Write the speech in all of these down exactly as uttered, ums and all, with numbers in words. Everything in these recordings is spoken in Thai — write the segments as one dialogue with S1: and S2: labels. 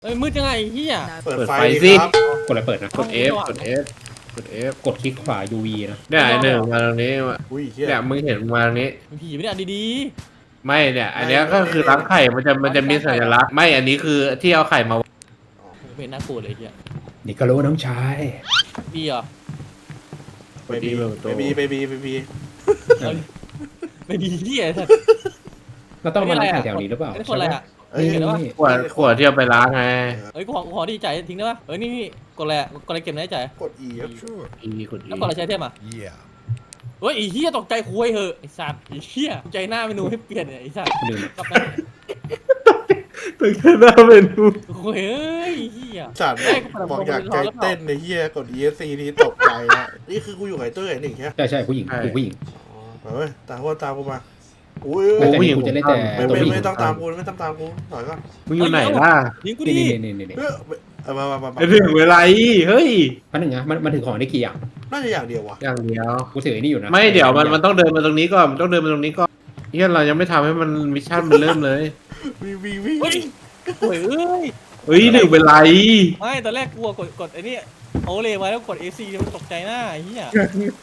S1: เอ้ยมืดยังไงเฮีย
S2: เปิด
S3: เปิด
S2: ไฟ
S3: ไฟ
S2: ดิ
S3: สิ
S2: ครับ
S4: กดอะไรเปิดนะ
S3: กด F กด F กด F
S4: กดคลิกขวา ยู วี นะ
S3: เนี่ยไอ้หนึ่งมาตรงนี้
S2: อุ้ยเฮีย
S3: เนี่ยมึงเห็นมาตรงนี้
S1: มีผีไม่ได้ดี
S3: ไม่เนี่ย อันเนี้ยก็คือร้านไข่มันจะมันจะมีสัญลักษณ์ไม่อันนี้คือที่เอาไข่มา
S1: ๆไม่น่ากลัวเลยเฮีย
S4: นี่ก็รู้น้องชาย
S1: ดีเหรอ
S3: พอดี
S2: เบ
S3: เปิดประ
S2: บี
S3: ตู
S2: เบบีเบบี
S1: เอาดิไม่ดีเฮียสัตว์
S4: เราต้องมานั่งแถวนี้หรือเปล่า
S1: ไอ้คนอะไรอ่ะ
S2: เอ้ย
S4: นี่
S1: เห็นแล้วปะ
S4: นี่
S3: ขวดขวดที่เอาไปล้างไง
S1: เอ้ยกูขอกูขอดีใจทิ้งได้ปะเอ้ยนี่นี่กดอะไรอะกดอะไรเก็บในใจ
S2: กด E ครับ
S5: Sure.
S3: อีกดอี
S1: แล้วกดอะไรใช้เทมอ่ะ
S5: Yeah.
S1: เฮ้ยไอ้เฮียตกใจคุยเหอะไอ้สัตว์ไอ้เฮียใจหน้าเมนูให้เปลี่ยนเนี่ยไอ้สัตว์
S4: ลืม
S1: กลับไป
S3: ตึกหน้าเมนู
S1: คุยเอ้ยเฮีย
S2: สัตว์
S1: เอ้ยกูเปิด
S2: บอก
S1: ลำโพง
S2: อยากใจ
S1: แล้วเปล่า
S2: เต้นในเฮียกด E S C นี่ตกใจละนี่คือกูอยู่กับไอ้เต้ยไอ้หนึ่งใช่ไหม
S4: ใช่ใช่ผู้หญิงผู้ผู้หญิง
S2: อ๋อเฮ้ยตามกูตามกูมาอุ้ย
S4: แต่นี่กูจะเล่นแต่
S2: ไม่
S4: ตัว
S2: ไม่
S4: ผู้หญิง
S2: ไม่ต้องตามกูไม่ต้องตามกูถอยก่อน
S3: มึงอยู่ไหนล่ะ
S1: ยิงกู
S4: นี่
S1: ดิ
S4: นี่นี่นี่นี่
S2: เฮ้ยเอามามามามา
S3: ไอ้ถึงเวลาอีเฮ้ย
S4: พันหนึ่งนะมันมันถือของได้กี่อย่าง
S2: น่าจะอย่างเดียววะ
S3: อย่างเดียว
S4: กูถือไอ้นี่อยู่นะ
S3: ไม่เดี๋ยวมันมันต้องเดินมาตรงนี้ก่อนมันต้องเดินมาตรงนี้ก่อนเฮียเรายังไม่ทำให้มันมิชชั่นมันเริ่มเลย
S2: วีวีวี
S1: เฮ้ยคุยเอ้ย
S3: เฮ้ยหนึ่งเป็นไร
S1: ไม่ตอนแรกกลัวกดกดไอ้นี่โอเลไว้แล้วกด เอ ซี มันตกใจหน้าไอ้เฮีย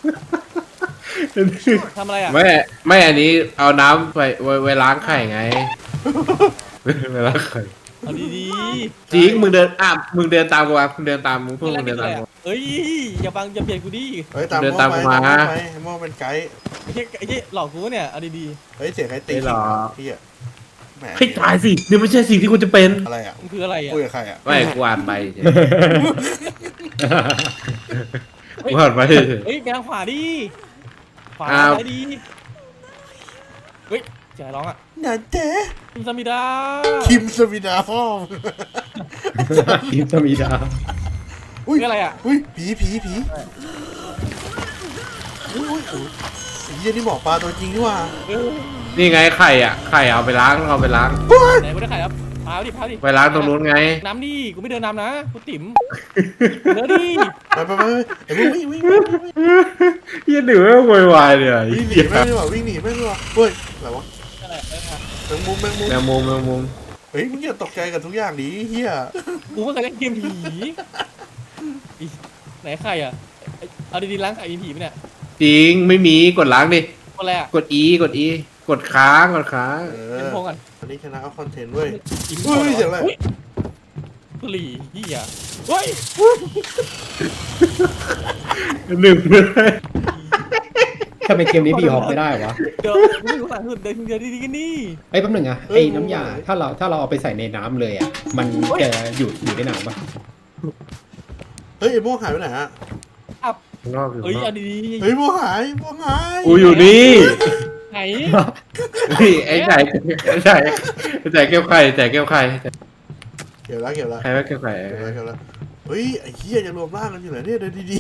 S1: ทำอะไรอ่ะ
S3: ไม่ไม่อันนี้เอาน้ำไปไว้ไว้ล้างไข่ไงไว้ล้างไข่
S1: เอาดี
S3: จริงมึงเดินอ่ะมึงเดินตามกูมามึงเดินตามมึง
S1: ๆ
S3: พวกมึงเดินตามกู
S1: เอ้ยอย่าบังอย่าเปลี่ยนกูดิ
S2: เฮ้ยตาม
S3: เดิน
S2: โม่
S3: ตาม
S2: ไป
S3: กูมา
S2: ตามโม่ไปโม่เป็นไกด์
S1: ไอ้เหี้ยไอ้เหี้ยหลอกกูเนี่ยเอาดี
S2: เฮ้ยเสียงใครตี
S3: ไม่หรอก
S2: พี่อะแหม
S3: ให้ตายสินี่ไม่ใช่สิ่งที่กูจะเป็น
S2: อะไรอ่ะ
S1: ๆมันคืออะไรอ่ะ
S2: คุยกับใครอ่ะ
S3: ไม่กูอ่านไปเฉยกูอ่านไปเฉย
S1: เฮ้ยไปทางขวาดิขวา
S3: อ้าว
S1: ซ้ายดีเฮ้ยเจ๋ร้องอ่ะ
S2: นาเจ๊
S1: คิมซามิดา
S2: คิมสวิดาพ่อม
S4: ทีมสมีดา
S2: อุ้ย
S1: คืออะไรอ่ะ
S2: อุ้ยผีผีผีอุ้ยอุ้ยอุ้ยไอ้เหี้ยนี่หมอปลาตัวจริงนี่หว่า
S1: เออ
S3: นี่ไงไข่อ่ะไข่เอาไปล้างเอาไปล้าง
S1: ไหนกูได้ไข่ครับพาวดิพาวดิ
S3: ไปล้างตรงนู้นไง
S1: น้ำดิกูไม่เดินน้ำนะกูติ๋มเดินดิ
S2: ไปไปไปไอ้พวกวิ่งวิ่งวิ่งวิ่ง
S3: ยี่หนึ่งไม่โวยวายเลย
S2: วิ่งหนีแม่งดีกว่าวิ่งหนีแม่งดีกว่าเฮ้ยอะไรวะ
S1: อะไรเออ
S2: แมงมุมแมงมุม
S3: แมงมุมแมงมุม
S2: เฮ้ยมึงอย่าตกใจกับทุกอย่างดิเฮีย
S1: กูไม่เคยเล่นเกมผีอีไหนไข่อ่ะเอ้ยเอาดีๆล้างไข่มีผีไหมเนี่ย
S3: จริงไม่มีกดล้างดิ
S1: คนอะไรอ่ะ
S3: กด E กด E กดค้างกดค้าง
S2: เอ
S1: เป็น
S2: อ
S1: พงกัน
S2: อันนี้ชนะเอาคอนเทนต์เว้ย
S1: อิ่ม
S2: เฮ้ยเสียงอะไร
S1: ฮ้กหลีเหี้ยเฮ้ย
S3: หนึ่งเลย
S4: ทำไมเกมนี้บีฮอปไม่ได้วะ
S1: เดี๋ยวไม่รู้หลังสุดเดินเดินดีๆกันนี่
S4: ไอ้ยแป๊บหนึ่งอะไอ้น้ำยาถ้าเราถ้าเราเอาไปใส่ในน้ำเลยอะมันจะอยู่อยู่ในน้ำปะ
S2: เฮ้ยไอ้ม่วงหายไปไหนฮะ
S3: ข้างนอกอยู่
S1: เฮ้ย
S3: ข้างนอ
S1: เอา
S3: ก
S1: ดี
S2: เฮ้ยม่วงหายม่วงหาย
S3: กูอยู่นี่
S1: ๆไหน
S3: นี่ไอ้ไก่ไอ้ไก่ไอ้ไก่เก็บไข่ไก่เก็บไข่
S2: เก็บแล้วเก็บแล้ว
S3: ใครว่าเก็บไข่
S2: เก็บแล้วเก็บแล้วเฮ้ยไอ้เหี้ยจะรวมร่างกันอยู่ไหนเนี่ยเดินดี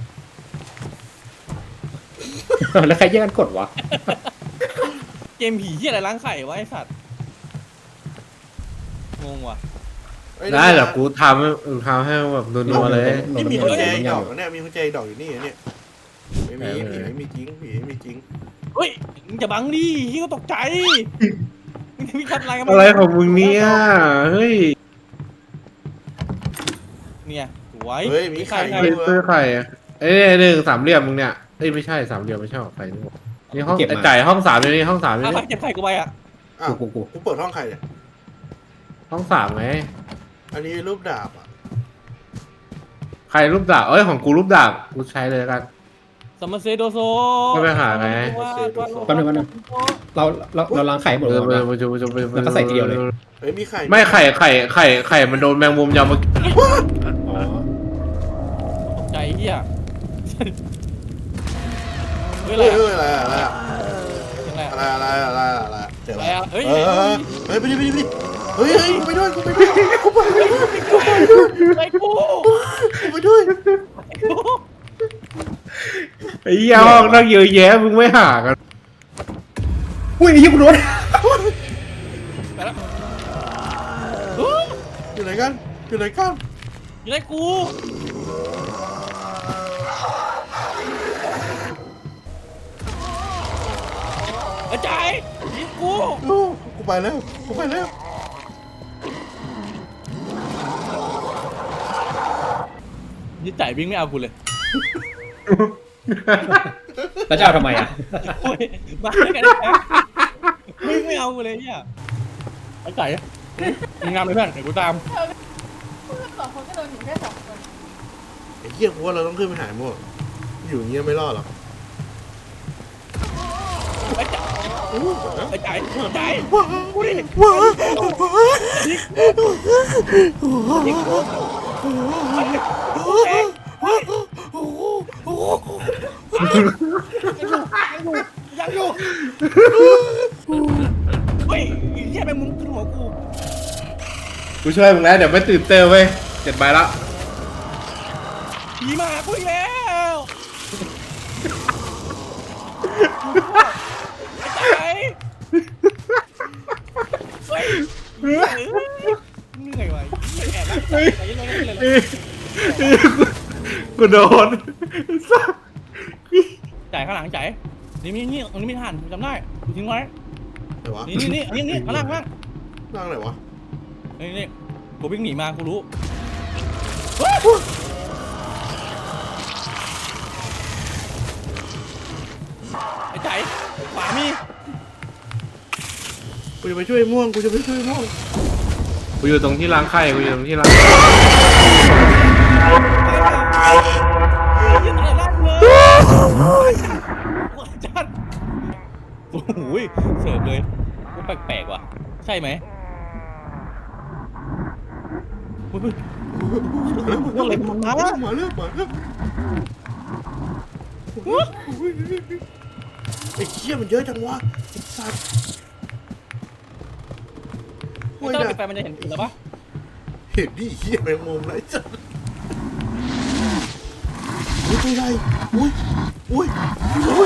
S4: แล้วใครแย่งกันกดวะ
S1: เกมผีที่อะไรล้างไข่วะไอสัตว์งงว่ะ
S2: ๆเฮ้ย
S3: ได้เดี๋ยวกูทำให้กูทำให้แบบนัวๆเลย
S2: นี่มีกุญแจอีกด
S4: น้ำ
S2: อก
S4: ยา
S2: เนี่ยมีกุญแจอีกดอกอยู่นี่เนี่ยไม่มีผีไม่มีจริงผีไม่มีจริง
S1: เฮ้ยมึงจะบังดิที่ก็ตกใจมึงมีคัดอะไรกัน
S3: อะไรของมึงเนี่ยเฮ้ย
S1: เนี่ยสวย
S2: เฮ้ยมีไข่
S1: ไข่
S3: เฮ้ยซื้อไข่อะเอ้ยหนึ่งสามเหลี่ยมมึงเนี่ยเอ้ยไม่ใช่สามเหลี่ยมไม่ใช่หรอกไข่นี่หว่านี่ห้องไอ้ไก่ห้องสามนี่ห้องสามนี่
S1: อ่ะใครเก็บไข่กูไปอ่ะ
S2: อ้าว
S4: กูกู
S2: กูเปิดห้องใครเนี่ย
S3: ห้องสามไง
S2: อันนี้รูปดาบอ่ะ
S3: ใครรูปดาบเอ้ยของกูรูปดาบกูใช้เลยกัน
S1: สมมาเซโดโซ
S3: ก็ไปหาไง
S4: แป๊บนึงแป๊บนึงเราเราเราล้างไข่หมด
S3: เอ
S4: เล
S3: อย ไป
S4: นะ
S3: ไปไปไปไป
S4: แล้วก็ใส่ทีเดียวเลย
S2: เฮ้ยมีไข่
S3: ไม่ไข่ไข่ไข่ไข่มันโดนแมงมุมยำมา
S4: อ๋อ
S1: ตกใจเฮียเฮ้ย
S2: เฮ้
S1: อะไร
S2: ย
S1: อะ
S2: เฮ้ยอะไรอะ
S1: อะไรอะ
S2: อะไรอะไรอะไรอะไรเจอ
S1: อะไร
S2: แล้ว
S1: อะเฮ้ย
S2: เออเฮ้ยไปดิไปดิไปดิเฮ้ยเฮ้ยกูไปด้วยกูไปด้วยกูไปด้วยกูไปด้วย
S1: ไอ้กู
S2: กูไปด้วย
S1: ไอ้กู
S3: ไอ้เหี้ยห้องนั่งเยอะแยะมึงไม่หากัน
S4: อุ้ยไอ้ยี่กูโดน
S1: ไปแล้ว
S2: อยู่ไหนกันอยู่ไหนกัน
S1: อยู่ไหนกูอาจารย์ยิงกู
S2: โอ้กูไปแล้วกูไปแล้ว
S1: ยี่จ่ายวิ่งไม่เอากูเลย
S4: แล้วจะเอาทำไมอ่ะ
S1: โอ้ยมาด้วยกันแท้วิ่งไม่เอากูเลยเนี่ยไอ้จ่ายมึงงามเลยเพื่อนเดี๋ยวกูตาม
S5: เพื่อนสองคนก็โดนอยู่แค่สองคน
S2: ไอ้เหี้ยกูว่าเราต้องขึ้นไปหามั่วอยู่อย่างเงี้ยไม่รอดหรอก
S1: ไอ้จ่ายไอ้จ่ายไอ้จ่าย
S2: ว้าวว้าว
S1: ยังอยู่เฮ้ยไอ้เหี้ยแมงมุมขึ้นหัวกู
S3: กูช่วยมึงแล้วเดี๋ยวไม่ตื่นเต้นเว้ยเจ็ดใบละ
S1: ผีมากูอีกแล้วไอ้เฮ้ยเหนื่อยว่ะแอบแล้วใจเย็นๆเลย
S3: กูโดน
S1: จ่ายข้างหลังจ่ายนี่นี่นี่ตรงนี้ไม่ทันจำได้ทิ้งไว้
S2: ไหนวะ
S1: นี่นี่นี่นี่นี่ข้างล่างข้างล่าง
S2: นั่งไหนวะ
S1: นี่นี่กูวิ่งหนีมากูรู้ไอ้จ่ายขวามี
S2: กูจะไปช่วยม่วงกูจะไปช่วยม่วง
S3: กูอยู่ตรงที่ล้างไข่กูอยู่ตรงที่ล้าง
S1: ยืนอะไรล่างเลยจัดโอ้โหเสิร์ฟเลยกูแปลกๆว่ะใช่ไหมเฮ้ยอะไรมันมา
S2: มาเรื่องมาเรื่องไอ้เหี้ยมันเยอะจังวะไอ้สัตว์
S1: ไม่ต้องปิดไฟมันจะเห็นอีกแล้วปะ
S2: เห็นดิเหี้ยแมงมุมไรจัดอุ้ยตัวใหญ่อุ้ยอุ้ยอุ้ย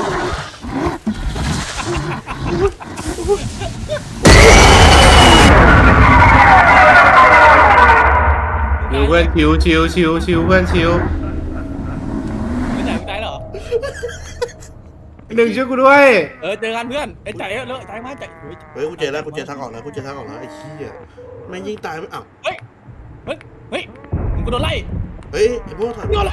S3: ชิวเพื่อนชิวชิวชิวชิวเพื่อนชิว
S1: ไม่จ่ายไม่จ่ายเหรอ
S3: หนึ่งช่วยกูด้วย
S1: เออเจอกันเพื่อนไอ้จ่ายเลอะจ่ายมาจ่าย
S2: เฮ้ยกูเจอแล้วกูเจอทางออกแล้วกูเจอทางออกแล้วไอ้เหี้ยแม่งยิงตายไม่อ้าว
S1: เฮ้ยเฮ้ยเฮ้ยมึงกูโดนไล่
S2: เฮ้ยไอ้พวกถอย
S1: โดนละ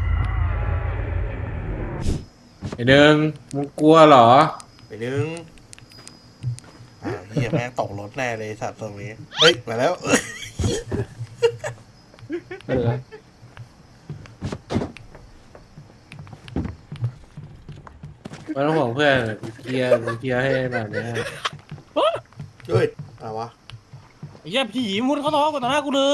S3: ไอ้หนึ่งมึงกลัวเหรอ
S2: ไปนึงอ่าเหี้ยแม่งตกรถแน่เลยสัตว์ตรงนี้เฮ้ยมาแล้ว
S4: ไม่เป็นไร
S3: ไม่ต้องห่วงเพื่อนกูเคลียร์กูเคลียร์ให้แบบนี้
S2: เฮ้ยอะไรวะ
S1: ไอ้เหี้ยผีมุดเข้าท้องก่อนหน้ากูเลย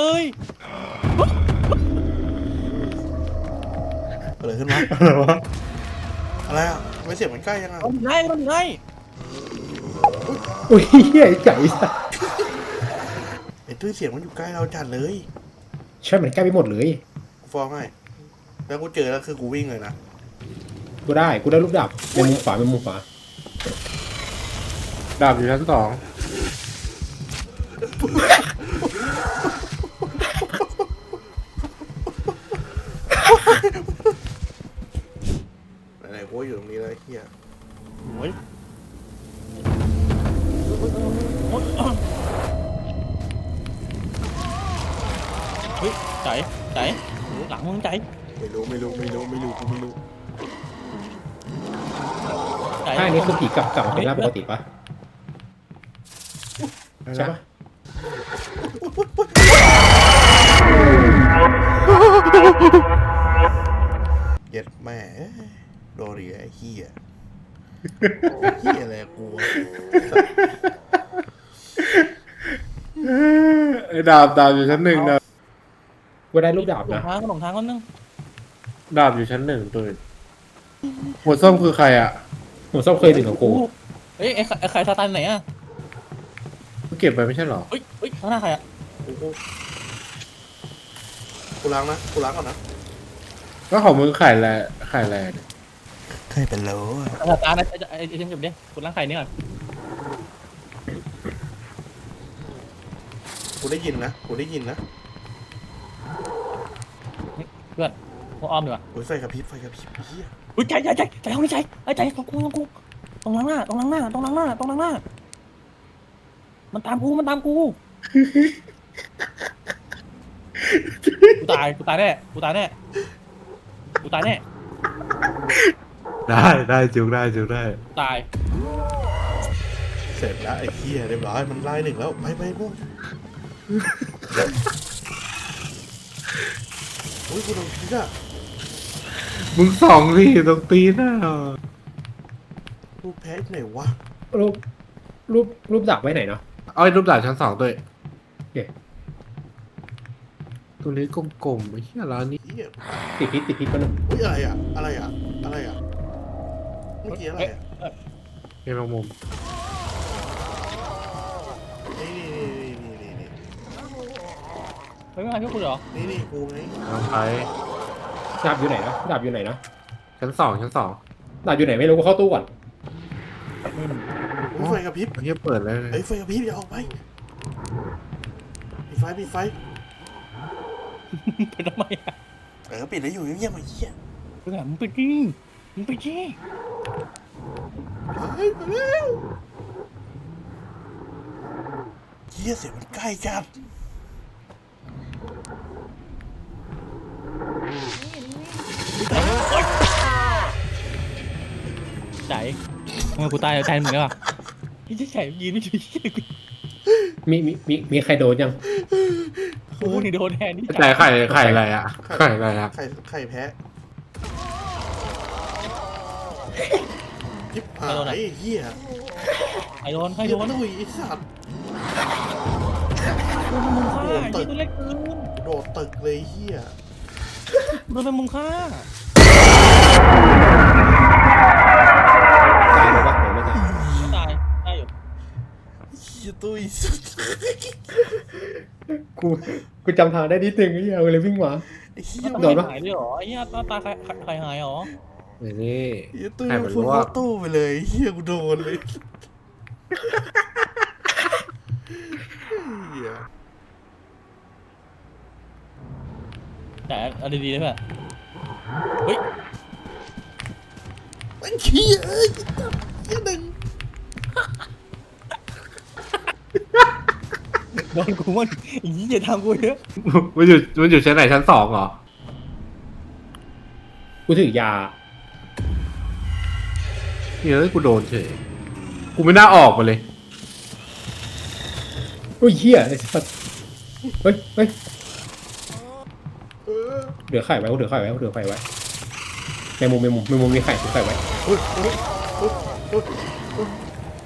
S2: เกิดอะไรขึ้นวะ
S3: อะไรวะ
S2: อะไรอ่ะทำไม่เสียงมันใกล้ยังอ่ะ
S1: โดนไล่โดนไล่
S4: อุ้ยเหี้ยไอ้ไก่สัส
S2: ไอ้ตุ้ยเสียงมันอยู่ใกล้เราจัดเลย
S4: ใช่มันใกล้ไปหมดเลย
S2: กูฟ้องให้แล้วกูเจอแล้วคือกูวิ่งเลยนะ
S4: กูได้กูได้ลูกดาบเป็นมุมขวาเป็นมุมขวา
S3: ดาบอยู่ชั้นสอง
S2: ไหนๆกูก็อยู่ตรงนี้แล้วไอ้เฮีย
S1: โอ้ยเฮ้ยจ่ายจ่ายหลังมึงจ่าย
S2: ไม่รู้ไม่รู้ไม่รู้ไม่รู้กูไม่รู้
S1: จ่าย
S4: ถ้าอันนี้คือผีกลับกลับมาเป็นร่างปกติปะใช่ปะ
S2: เย็ดแม่โดนดิไอ้เฮียเฮียอะไรกู
S3: ไอ้ดาบดาบอยู่ชั้นหนึ่งดาบ
S4: กูได้ลูกดาบ
S1: หล
S4: นะ
S1: งทางก็หลงทางก็นึง
S3: ดาบอยู่ชั้นหนึ่งตัวอื่นหัวส้มคือใครอ่ะ
S4: ผมชอบเคยถึงกับกู
S1: เฮ้ยไอ้ไอ้ใครซาตานไหนอ่ะ
S3: กูเก็บไปไม่ใช่เหรอ
S1: เฮ้ยเฮ้ยข้างหน้าใครอ่ะ
S2: กูกูกูล้างนะกูล้างก่อนนะ
S3: ก็ของมึงขายแลขายแลเนี่ย
S2: เคยเป็นโลอ่ะ
S1: ซาตานไอ้ไอ้ไอ้เจมส์จบดิคุณล้างไข่นี่ก่อน
S2: กูได้ยินนะกูได้ยินนะ
S1: เพื่อนพวกอ้อมดีกว่า
S2: โอ้ยไฟกระพริบไฟกระพริบเฮีย
S1: อุ้ยใจใจใจใจห้องนี้ใจไอ้ใจตรงกูตรงกูตรงล้างหน้าตรงล้างหน้าตรงล้างหน้าตรงล้างหน้ามันตามกูมันตามกูกูตายกูตายแน่กูตายแน่กูตายแน่
S3: ได้ได้จุกได้จุกได้
S1: ตาย
S2: เสร็จแล้วไอ้เหี้ยเรียบร้อยมันไล่หนึ่งแล้วไปไปพวกโอ้ยกูโดนพิษอ่ะ
S3: มึงสองพี่ตรงตีนน่ะ
S2: กูแพ้ที่ไหนวะ
S4: รูปรูปรูปดักไว้ไหนเนาะ
S3: เอาไอ้รูปดาบชั้นสองด้วย
S4: โอเค
S3: ตัวนี้กลมๆไอ้เหี้ยร้านนี้
S2: เหี้ย
S4: ติดพิษติดพิษก็นึง
S2: อุ้ยอะไรอ่ะอะไรอ่ะอะไรอ่ะเมื่อกี้อะไรอ่ะ
S3: เป็นแมงมุม
S2: นี่นี่นี่นี่นี่
S1: ไม่มาช่วยกูเหรอ
S2: นี่นี่กูไง
S3: น้องไป
S4: ดาบอยู่ไหนนะดาบอยู่ไหนนะ
S3: ชั้นสองชั้นสอง
S4: ดาบอยู่ไหนไม่รู้กูเข้าตู้ก่อน
S2: อุ้ยไฟกระพริบ
S3: เฮียเปิดแล้ว
S2: ไอ้ยไฟกระพริบอย่าออกไปปิดไฟปิดไฟ
S1: เป็นทำไมอ่ะ
S2: เออปิดแล้วอยู่เงียบๆมาเหี้ย
S1: มึงอ่ะมึงไปดิมึงไปดิ
S2: เฮ้ยมาแล้วเหี้ยเสียงมันใกล้จัด
S1: ใจเออกูตายแล้วแทนมึงได้ป่ะพี่จะใส่ยืนไม่ช่วย
S4: มีมีมีมีใครโดนยัง
S1: กูนี่โดนแทนนี่
S3: แต่ไข่ไข่อะไรอ่ะไข่อะไรอ่ะ
S2: ไข่ไข่แพ้ยิบหายไอ้เหี้ย
S1: ใครโดนใคร
S2: ไอ้
S1: โดน
S2: ตุ้ยไอ้สัตว์
S1: โดนมึงฆ่ายิงตัวเล็กเกิน
S2: โดดตึกเลยไอ้เหี้ย
S1: โดนเป็นมึงฆ่า
S4: ตายหรือเปล่าหรือไม่ตาย
S1: ไม่ตายตายอยู่
S2: เหี้ยตุ้ยสัตว์
S4: กูกูจำทางได้นิดนึงไอ้เหี้ยเลยวิ่งมา
S2: ไอ้เหี้ย
S1: หน้า
S4: โด
S1: ตาน
S4: ปะ
S1: หายเลยเหรอไอ้เหี้ยหน้าตาใครใครหายเหรอ
S3: นี่
S2: ไอ้ตุ้ย
S3: ให้
S2: มั
S3: มัน น
S2: พุ่
S3: รู้
S2: ง
S3: ว่า
S2: เข้าตู้ไปเลยไอ้เหี้ยกูโดนเลยเหี้ย
S1: แต่เอาดีๆได้ป่ะเฮ้ย
S2: มันเหี้ยเอ้ยเหี้ยหนึ่ง
S1: โดนกูมันอย่างนี้อย่าทำกูเยอะ
S3: มันอยู่มันอยู่ชั้นไหนชั้นสองเหรอ
S4: กูถือยา
S3: เฮ้ยกูโดนเฉยกูไม่น่าออกมาเลย
S4: โอ้ยเหี้ยไอ้สัสเฮ้ยเฮ้ย
S2: เออ
S4: เหลือไข่ไว้กูเหลือไข่ไว้กูเหลือไข่ไว้ในมุมในมุมในมุมมีไข่ถือไข่ไว้
S2: เฮ้ยเฮ้ยเฮ้ยเฮ้ยเฮ้ย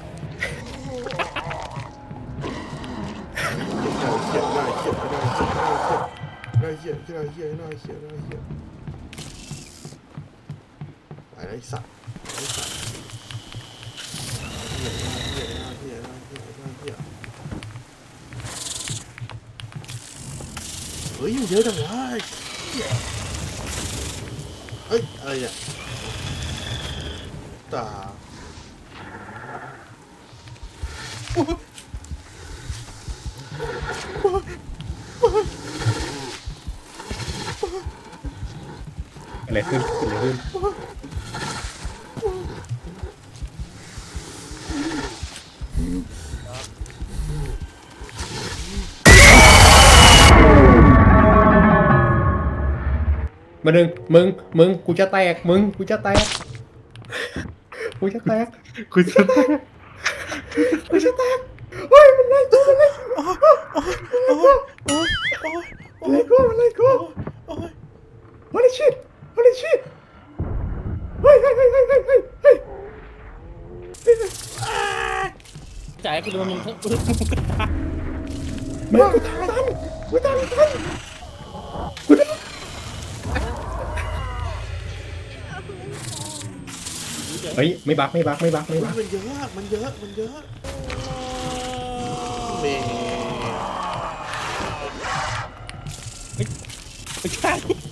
S2: เหี้ยได้เหี้ยได้เหี้ยได้เหี้ยได้เหี้ยได้เหี้ยได้เหี้ยได้เหี้ยไปไอ้สัตว์ไอ้สัตว์เหี้ยได้เหี้ยได้เหี้ยได้เหี้ยได้เหี้ยเฮ้ยเยอะจังวะเหี้ยเฮ้ยอะไรเนี่ยตา
S4: อะไรขึ้นอะไรขึ้นมาดึงมึงมึงกูจะแตกมึงกูจะแตกกูจะแตก
S3: กูจะ
S4: กูจะแตกเฮ้ยมันไล่ตัวมันไล่
S2: โอ้ยโอ้ยโอ้ยโอ้
S4: มัน
S2: ย
S4: ไล่กูมันไล่กู
S2: โอ้ย
S4: Holy shit Holy shit เฮ้ยเฮ้ยเฮ้ยเฮ้ยเฮ้ยเฮ้ยเฮ้ย
S1: จ่ายกูโดนมึงกู
S4: ไม่กูทันกูทันกูทันกูทันเฮ้ยไม่บักไม่บักไม่บักไม่บัก
S2: มันเยอะมันเยอะมันเยอะเมย์
S1: ไม่ใช่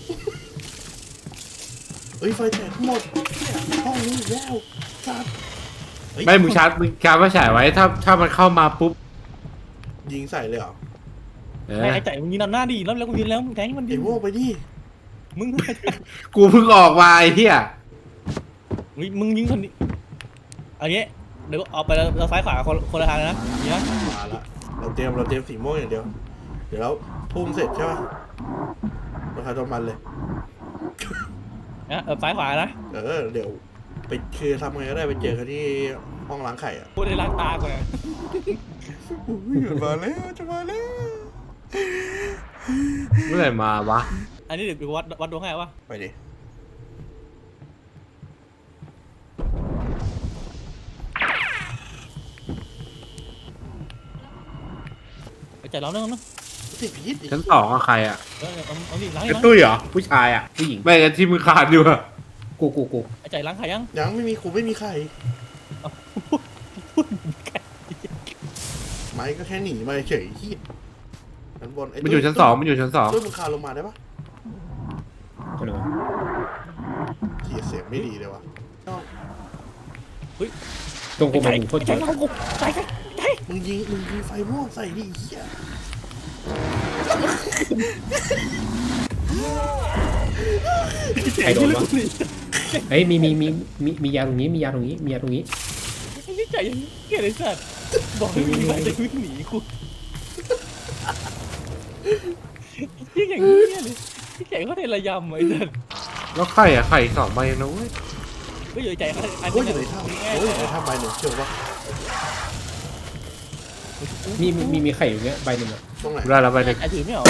S2: เฮ้ยไฟแตกหมดเนี่ยห้องนี้อีกแล้วสัตว์เฮ้ย
S3: ไม่มึงชาร์จมึงชาร์จมาฉายไว้ถ้าถ้ามันเข้ามาปุ๊บ
S2: ยิงใส่เลยเหรอ
S3: เออ
S1: ไอ้จ่ายมึงยืนนำหน้าดิแล้วแล้วกูยืนแล้วมึงแทงมันดิ
S2: ไอ้โว้ไปดิ
S1: มึง
S3: กูเพิ่งออกมาไอ้เหี้ย
S1: มึงมึงยิงคนนี้เอางี้เดี๋ยวเอาไปแล้วเราซ้ายขวาคนคนละทางนะนี่นะ
S2: มาละเราเตรียมเราเตรียมสีม่วงอย่างเดียวเดี๋ยวเราพุ่งเสร็จใช่ป่ะเราคาโดนมันเลย
S1: นะเออซ้ายขวานะ
S2: เออเดี๋ยวไปคือทำไงก็ได้ไปเจอกันที่ห้องล้างไข่อ่ะ
S1: พูดในล้างตาก่อนนะ
S2: อุ้ยจะมาแล้วจะมาแล้ว
S3: เมื่อไหร่มาวะ
S1: อันนี้เดี๋ยววัดวัดดวงให้วะ
S2: ไปดิ
S1: ไอ้ใจร้อนนึงนึง
S2: ติดพิษอีก
S3: ชั้นสองอะใครอะ
S1: เออเอาเอาดิล้าง
S3: ไอ้
S1: ล้าง
S3: ตุ้ยเหรอผู้ชายอะผู้หญิงไม่กันที่มือขาดอยู่อะ
S4: กูกูกู
S1: ไอ้ใจล้างไข่ยัง
S2: ยังไม่มีครูไม่มีใครไม้ก็แค่หนีมาเฉยที่ชั้นบนไ
S3: มันอยู่ชั้นสองมันอยู่ชั้นสอง
S2: ตุ้ยมึงคานลงมาได้ปะ
S4: เอาหน่อย
S2: เหี้ยเสียงไม่ดีเลยวะ
S4: ตรงกูมันโคตร
S1: ใจ
S4: เยอะ
S1: ร้อนกูใจใจใจ
S2: มึงยิงมึงยิงไฟม่วงใส่ดิเหี้ย
S4: ใครโดนวะเฮ้ยมีมีมีมีมียาตรงนี้มียาตรงนี้มียาตรงนี้
S1: ไอ้นี่ใจยังเกลียดไอ้สัตว์บอกให้มีมันจะวิ่งหนีกูยิ่งอย่างนี้เลยพี่แก่เขาได้ระยำไอ้สัตว์
S3: แล้วไข่อะไข่สองใบนะเว้ย
S1: ก็อยู่ใจเขาอัน
S2: โอ้ย
S1: นี้
S2: อยู่ในถ้ำโอ้ยอยู่ในถ้ำใบหนึ่งเชื่อปะ
S4: มีมีมีมีไข่อยู่เนี้ยใบหนึ่งอะ
S2: ตรงไหน
S3: ได้แล้วใบหนึ่ง
S1: ไอ้ถือไม่หรอ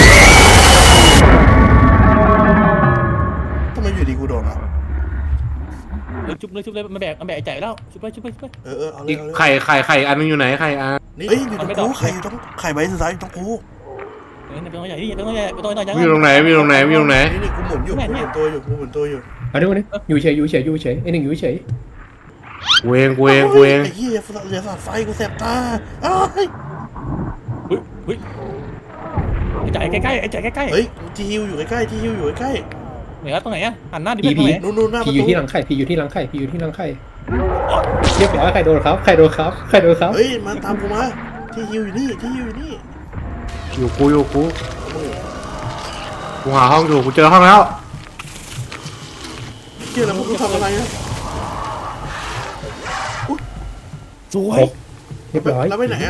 S2: ทำไมอยู่ดีกูโดนอ่ะ
S1: เลยชุบเลยชุบเลยมันแบกมันแบกไอ้ใจแล้วชุบไปชุบไปชุบไป
S2: เออเออเอาเล
S3: อี
S2: ย
S3: ก
S2: เอาเลย
S3: ไข่ไข่ไข่อันนึงอยู่ไหนไข่อัน
S2: เฮ้ยอยู่ตรงกูไข่อยู่ตรงไข่ใบสุดท้ายอยู่ตรงกู
S1: เออเป็นตัวใหญ่ดิเป็นตัวใหญ่เป็นตัวใหญ่
S3: มีอยู่ตรงไหนมีอยู่ตรงไหนมีอยู่ตรงไหน
S2: นี่นี่กูหมุนอยู่กูหมุนตัวอยู่กูหมุนตัวอยู่
S4: เอาดิวะเนี่ยอยู่เฉยอยู่เฉยอยู่เฉยไอ้หนึ่งอยู่เฉย
S3: กูเองกูเองกูเอง
S2: ไอ้เหี้ยเหลือสาดไฟกูแสบตาอ้าย
S1: เฮ้ยเฮ้ยไอ้ใจใกล้ๆไอ้ใจใกล้ๆ
S2: เฮ้ยที่ฮิวอยู่ใกล้ๆที่ฮิวอยู่ใกล้
S1: เหนือตรงไหนอะหันหน้าดิ
S4: ผี
S1: ไปตรงไหน
S2: ๆนู่นนู่นหน้าประ
S4: ผีอยู่
S2: ตู
S4: ที่หลังไข่ผีอยู่ที่หลังไข่ผีอยู่ที่หลังไข่เรียบร้อยใครโดนครับใครโดนครับใครโดนครับ
S2: เฮ้ยมาตามกูมาที่ฮิวอยู่นี่ที่ฮิวอยู่นี่
S3: อยู่กูอยู่กู
S2: เอามือ
S3: กูหาห้องอยู่กูเจอห้องแล้ว
S2: เชี่ยแล้วมึงทำอะไรนะ
S1: สว
S4: คร
S1: ย
S4: บเรียบร้อย
S2: แล้วไปไหนอ่ะ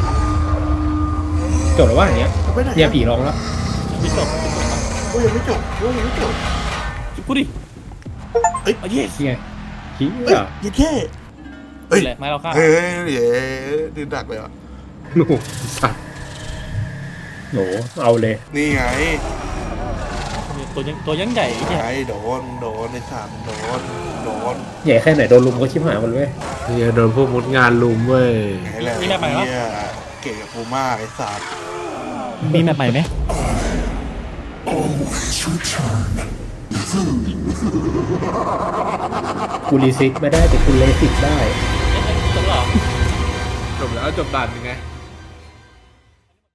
S4: จบแล้วว่าอย่างเงี้ย
S2: แล้วไปไหน
S4: เนี่ยผีร้องแล้ว
S1: พี่จบ
S2: กูยังไม่จบกูยังไม่จบ
S1: ชุบกูดิ
S2: เอ้ย
S1: ไอ้เหี้ย
S4: นี่ไงผี
S2: เฮ้ย
S4: อ่ะ
S2: ยัดแค่เฮ้ย
S1: แหละไม้เราฆ่า
S2: เฮ้ยเฮ้ยดื้อดักเลยอ่ะ
S3: โอ้โหสัตว์
S4: โหเอาเลย
S2: นี่ไง
S1: ตัวยังตัวยังใหญ่ไอ้
S2: ไง
S1: เหี้ย
S2: โดนโดนในสามโดนโดน
S4: ใหญ่แค่ไหนโดนลุมก็ชิบหายหมดเลย
S3: เฮียโดนพวกมุดงานลุมเว้ย
S2: ไงแหละเนี่ยเก่งกับกูมากไอ้สัตว์
S1: มีแมปใหม่ไหม
S4: กูรีซิกไม่ได้แต่กูเลสิกได้
S1: จบแล้ว
S3: จบแล้วจบด่านยังไง